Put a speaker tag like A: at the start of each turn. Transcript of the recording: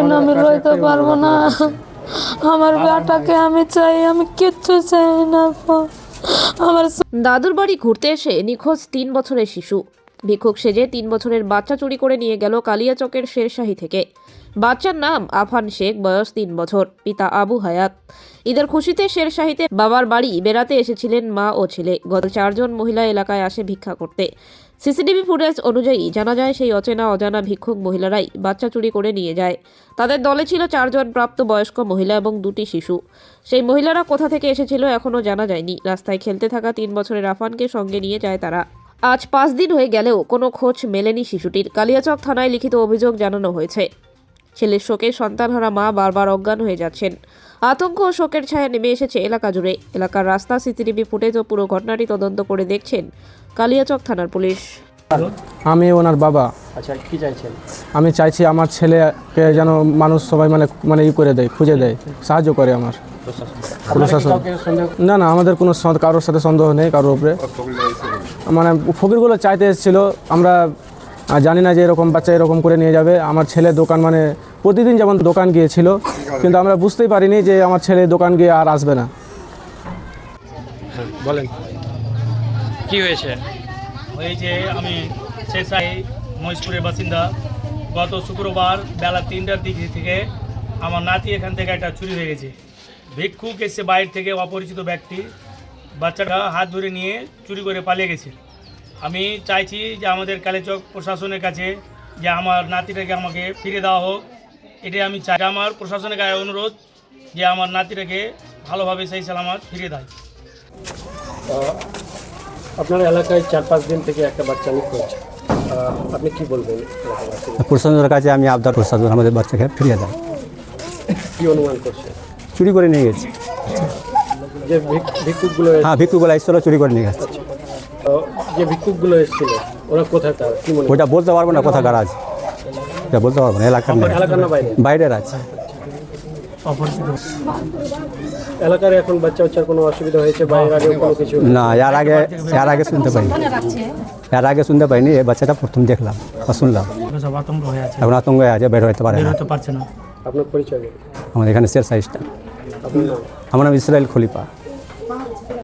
A: দিন আমি রইতে পারবো না। আমার বেটাকে আমি চাই, আমি কিচ্ছু চাই না। আমার
B: দাদুর বাড়ি ঘুরতে এসে নিখোঁজ 3 বছরের শিশু। ভিক্ষুক সেজে 3 বছরের বাচ্চা চুরি করে নিয়ে গেল কালিয়াচকের শেরশাহী থেকে। বাচ্চার নাম আফান শেখ, বয়স 3 বছর, পিতা আবু হায়াত। ঈদের খুশিতে শেরশাহীতে বাবার বাড়ি বেড়াতে এসেছিলেন মা ও ছেলে। গত 4 জন মহিলা এলাকায় আসে ভিক্ষা করতে। সিসিটিভি ফুটেজ অনুযায়ী জানা যায় সেই অচেনা অজানা ভিক্ষুক মহিলারাই বাচ্চা চুরি করে নিয়ে যায়। তাদের দলে ছিল 4 জন প্রাপ্তবয়স্ক মহিলা এবং 2টি শিশু। সেই মহিলারা কোথা থেকে এসেছিল এখনও জানা যায়নি। রাস্তায় খেলতে থাকা 3 বছরের আফানকে সঙ্গে নিয়ে যায় তারা। আজ 5 দিন হয়ে গেলেও কোনো খোঁজ মেলেনি শিশুটির। কালিয়াচক থানায় লিখিত অভিযোগ জানানো হয়েছে। ছেলের শোকে সন্তানহারা মা বারবার অজ্ঞান হয়ে যাচ্ছেন। আতঙ্ক ও শোকের ছায়া নেমে এসেছে এলাকা জুড়ে। এলাকার রাস্তা, সিসিটিভি ফুটেজ ও পুরো ঘটনাটি তদন্ত করে দেখছেন কালিয়াচক থানার পুলিশ।
C: আমি ওনার বাবা।
D: আচ্ছা, কি চাইছেন?
C: আমি চাইছি আমার ছেলেকে যেন মানুষ সবাই মানে ই করে দেয়, খুঁজে দেয়, সাহায্য করে আমার প্রশাসন। না না, আমাদের কোনো কারোর সাথে সন্দেহ নেই কারোর উপরে। মানে ফকিরগুলো চাইতে এসেছিলো, আমরা জানি না যে এরকম বাচ্চা এরকম করে নিয়ে যাবে। আমার ছেলে দোকান মানে প্রতিদিন যেমন দোকান গিয়েছিল, কিন্তু আমরা বুঝতেই পারিনি যে আমার ছেলে দোকান গিয়ে আর আসবে না।
D: বলেন
E: কি হয়েছে?
F: ওই যে আমি শেরশাহী মহেশপুরের বাসিন্দা। গত শুক্রবার বেলা 3টার দিক থেকে আমার নাতি এখান থেকে একটা চুরি হয়ে গেছে। ভিক্ষুক এসে বাইরে থেকে অপরিচিত ব্যক্তি বাচ্চাটা হাত ধরে নিয়ে চুরি করে পালিয়ে গেছে। আমি চাইছি যে আমাদের কালিয়াচক প্রশাসনের কাছে যে আমার নাতিটাকে আমাকে ফিরে দেওয়া হোক। এটাই আমি চাই। আমার প্রশাসনের কাছে অনুরোধ যে আমার নাতিটাকে ভালোভাবে সেই সালামত ফিরে দেয়।
D: আপনার এলাকায় 4-5 দিন থেকে একটা বাচ্চা নিখোঁজ, আপনি কি বলবেন?
G: প্রশাসনের কাছে আমি আবদার, প্রশাসন আমাদের বাচ্চাকে ফিরিয়ে দেয়।
D: কি অনুমান করছে?
G: চুরি করে নিয়ে গেছে।
D: যে ভিক্ষুকগুলো
G: হ্যাঁ, ভিক্ষুকগুলো এসেছিল, চুরি করে নিয়ে গেছে।
D: যে ভিক্ষুকগুলো এসেছিল ওরা কোথায়, তার কি মনে?
G: ওইটা বলতে পারবো না কোথাকার আছে, এটা বলতে পারবো না। এলাকার
D: না বাইরে?
G: বাইরের আছে।
D: এলাকার এখন বাচ্চার কোনো অসুবিধা হয়েছে? বাইরের আগে কোনো কিছু
G: না, এর আগে শুনতে পাইনি। এর আগে শুনতে পাইনি। এই বাচ্চাটা প্রথম দেখলাম বা শুনলাম।
F: আতঙ্ক হয়ে আছে,
G: এখন আতঙ্ক হয়ে আছে, বের হতে পারে না।
F: পারছে না।
D: আপনার পরিচয়?
G: আমাদের এখানে শেরশাহী স্টাফ।
D: আপনার নাম?
G: আমার নাম ইসরাইল খলিফা।